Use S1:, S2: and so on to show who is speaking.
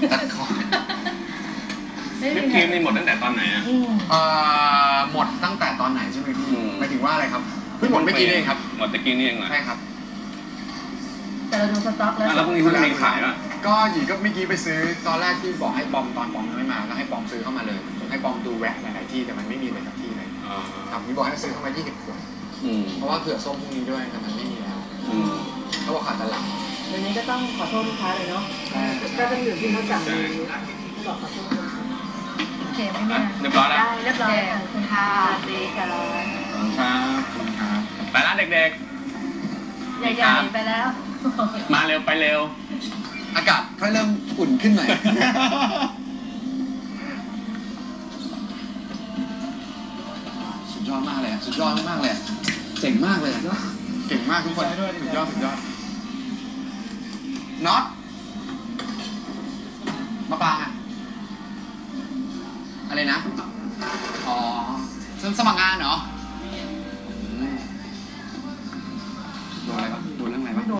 S1: ตัดคอ
S2: วิปครีมนี่หมดตั้งแต่ตอนไหนอ่ะ
S1: หมดตั้งแต่ตอนไหนใช่ไหมพี่หมายถึงว่าอะไรครับเพิ่งหมดเมื่อกี้เองครับ
S2: หมดตะกี้นี่เองเหรอ
S1: ใช่ครับ
S3: แต่เราดูสต็อกแล้ว
S2: แล้วพรุ่งนี้เขาจะมีขายป่ะ
S1: ก็หยีก็เมื่อกี้ไปซื้อตอนแรกที่บอกให้ปอมตอนปอมไม่มาก็ให้ปอมซื้อเข้ามาเลยให้ปอมดูแหวกหลายๆที่แต่มันไม่มีเลยสักที่เลยครับพี่บอกให้ซื้อเข้ามา20 ขวดเพราะว่าเผื่อส้มพรุ่งนี้ด้วยแต่มันไม่มีแล้วเขาบอกขาดตลาด
S3: วันนี้ก็ต้องขอโทษลูกค้าเลยเนาะก็ต้องอยู่ที่เขาสั่งบอกขอโทษโอเคไม่มี
S2: เรียบร้อยแล้ว
S3: เรียบร้อยคุณค่ะดีค่ะ
S2: ครับไปร้านเด็ก
S3: ๆใหญ่ๆไปแล้ว
S2: มาเร็วไปเร็ว
S1: อากาศค่อยเริ่มอุ่นขึ้นหน่อยสุดยอดมากเลยสุดยอดมากเลยเจ๋งมากเลยเก่งมากทุกคนสุดยอดน็อตมาปางอะไรนะอ๋อสมัครงานเหรอ